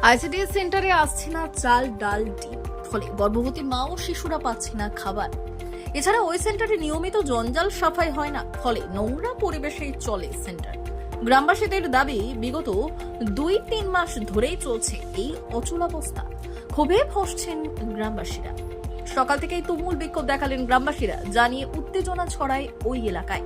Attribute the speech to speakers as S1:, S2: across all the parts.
S1: ICDS সেন্টারে আসছে না চাল, ডাল, ডিম, ফলে গর্ভবতী মা ও শিশুরা পাচ্ছে না খাবার। এছাড়া ওই সেন্টারে নিয়মিত জঞ্জাল সাফাই হয় না, ফলে নোংরা পরিবেশেই চলে সেন্টার। গ্রামবাসীদের দাবি, বিগত 2-3 মাস ধরেই চলছে এই অচলাবস্থা। ক্ষোভে ফসছেন গ্রামবাসীরা। সকাল থেকেই তুমুল বিক্ষোভ দেখালেন গ্রামবাসীরা, জানিয়ে উত্তেজনা ছড়ায় ওই এলাকায়।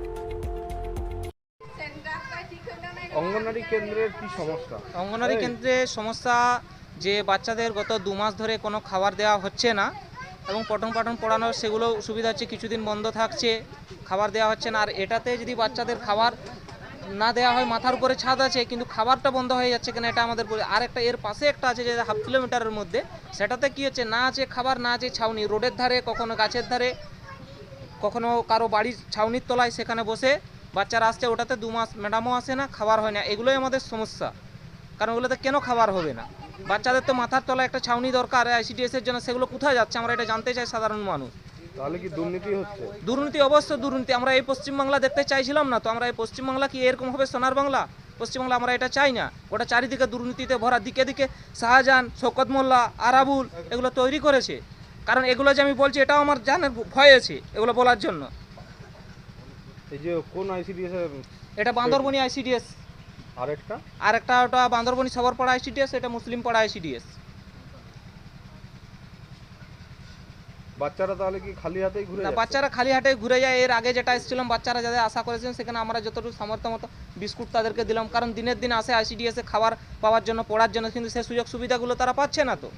S2: অঙ্গনওয়াড়ি কেন্দ্রের কি সমস্যা?
S3: অঙ্গনওয়াড়ি কেন্দ্রে সমস্যা যে বাচ্চাদের গত 2 মাস ধরে কোনো খাবার দেওয়া হচ্ছে না এবং পঠন পাঠন পড়ানোর সেগুলো সুবিধা হচ্ছে, কিছুদিন বন্ধ থাকছে, খাবার দেওয়া হচ্ছে না। আর এটাতে যদি বাচ্চাদের খাবার না দেওয়া হয়, মাথার উপরে ছাদ আছে কিন্তু খাবারটা বন্ধ হয়ে যাচ্ছে কেন, এটা আমাদের আর একটা এর পাশে একটা আছে যে 1/2 কিলোমিটারের মধ্যে, সেটাতে কি হচ্ছে, না আছে খাবার, না আছে ছাউনি, রোডের ধারে, কখনো গাছের ধারে, কখনো কারো বাড়ির ছাউনির তলায় সেখানে বসে বাচ্চারা আসছে। ওটাতে 2 মাস ম্যাডামও আসে না, খাবার হয় না। এগুলোই আমাদের সমস্যা, কারণ ওগুলোতে কেন খাবার হবে না? বাচ্চাদের তো মাথার তলায় একটা ছাউনি দরকার আইসিডিএস এর জন্য, সেগুলো কোথায় যাচ্ছে আমরা এটা জানতে চাই সাধারণ মানুষ।
S2: তাহলে কি দুর্নীতি হচ্ছে?
S3: দুর্নীতি, অবশ্য দুর্নীতি। আমরা এই পশ্চিমবাংলা দেখতে চাইছিলাম না তো। আমরা এই পশ্চিমবাংলা কি এরকম হবে সোনার বাংলা? পশ্চিমবাংলা আমরা এটা চাই না। ওটা চারিদিকে দুর্নীতিতে ভরা, দিকে দিকে শাহজাহান, শওকত মোল্লা, আরাবুল এগুলো তৈরি করেছে। কারণ এগুলো যে আমি বলছি এটাও আমার জানের ভয় আছে এগুলো বলার জন্য।
S2: এই যে কোন আইসিডিএস এর?
S3: এটা বান্দরবনি আইসিডিএস। আরেকটা ওটা বান্দরবনি সবরপাড়া আইসিডিএস, এটা মুসলিম পাড়া আইসিডিএস।
S2: বাচ্চারা তাহলে কি খালি হাতেই ঘুরে যাচ্ছে?
S3: বাচ্চারা খালি হাতে ঘুরে যায়। এর আগে যেটা এসেছিলাম, বাচ্চারা যাদের আশা করেছেন সেখানে আমরা যতটুকু সামর্থ্য মতো বিস্কুট তাদেরকে দিলাম, কারণ দিনের দিন আসে আইসিডিএস এ খাবার পাওয়ার জন্য, পড়ার জন্য, কিন্তু সেই সুযোগ সুবিধাগুলো তারা পাচ্ছে না। তো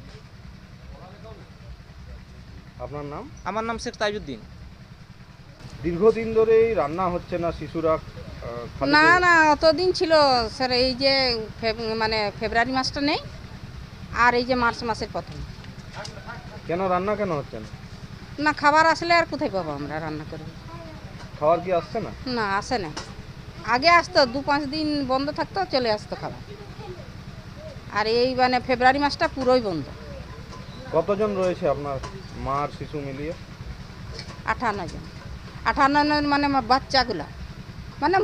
S2: আপনার নাম?
S3: আমার নাম শেখ তাজউদ্দিন।
S2: দীর্ঘদিন ধরেই রান্না হচ্ছে না, শিশুরা
S4: না অতদিন ছিল স্যার। এই যে মানে ফেব্রুয়ারি মাসটা নেই, আর এই যে মার্চ মাসের প্রথম।
S2: কেন রান্না কেন হচ্ছে না?
S4: না, খাবার আসলে আর কোথায় পাবো আমরা রান্না করে?
S2: খাবার কি আসছে না?
S4: না, আসে না। আগে আসতো, 2-5 দিন বন্ধ থাকতো, চলে আসতো খাবার। আর এই মানে ফেব্রুয়ারি মাসটা পুরোই বন্ধ।
S2: কতজন রয়েছে আপনার মা আর শিশু মিলিয়ে?
S4: 58 জন। 58 মানে আমার বাচ্চাগুলা, মানে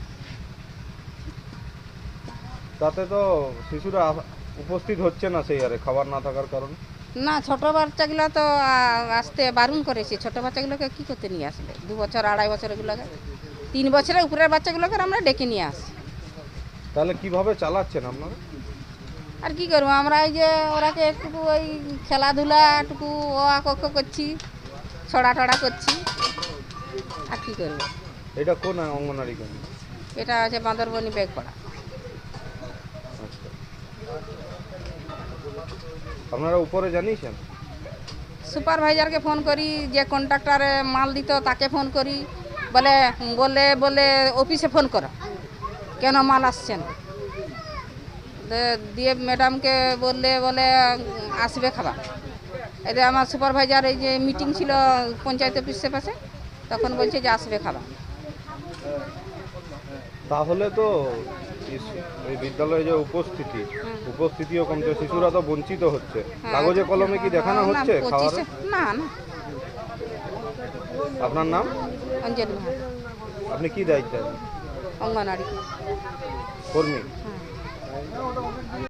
S2: তাতে তো শিশুরা উপস্থিত হচ্ছে না সেই হারে, খাবার না থাকার কারণে।
S4: না, ছোট বাচ্চাগুলো তো আসতে বারণ করেছি। ছোট বাচ্চাগুলোকে কি করতে নিয়ে আসলে? 2 বছর 2.5 বছরগুলোকে, 3 বছরের উপরের বাচ্চাগুলোকে আমরা ডেকে নিয়ে আসি।
S2: তাহলে কিভাবে চালাচ্ছেন আপনারা?
S4: আর কি করবো আমরা? এই যে ওরাকে একটু ওই খেলাধুলা টুকু ও আঁক করছি, ছড়া টড়া করছি, আর কি করবো।
S2: এটা কোন অঙ্গনওয়াড়ি কেন্দ্র?
S4: এটা আছে বান্দরবনি বেগপাড়া।
S2: আচ্ছা, আপনারা উপরে জানিয়েছেন?
S4: সুপারভাইজারকে ফোন করি, যে কন্ট্রাক্টরে মাল দিত তাকে ফোন করি, বলে অফিসে ফোন করো, কেন মাল আসছে না। দিয়ে ম্যাডামকে বলে আসবে খাবার। এতে আমার সুপারভাইজার এই যে মিটিং ছিল পঞ্চায়েত অফিসের পাশে, তখন বলছে যে আসবে খাবার।
S2: তাহলে তো এই বিদ্যালয়ে যে উপস্থিতিও কমছে, শিশুরা তো বঞ্চিত হচ্ছে। কাগজে কলমে কি দেখানো হচ্ছে খাবার?
S4: না।
S2: আপনার নাম?
S4: অঞ্জলি মাহাতো।
S2: আপনি কি দায়িত্ব?
S4: অঙ্গনওয়াড়ি
S2: কর্মী।
S4: হ্যাঁ।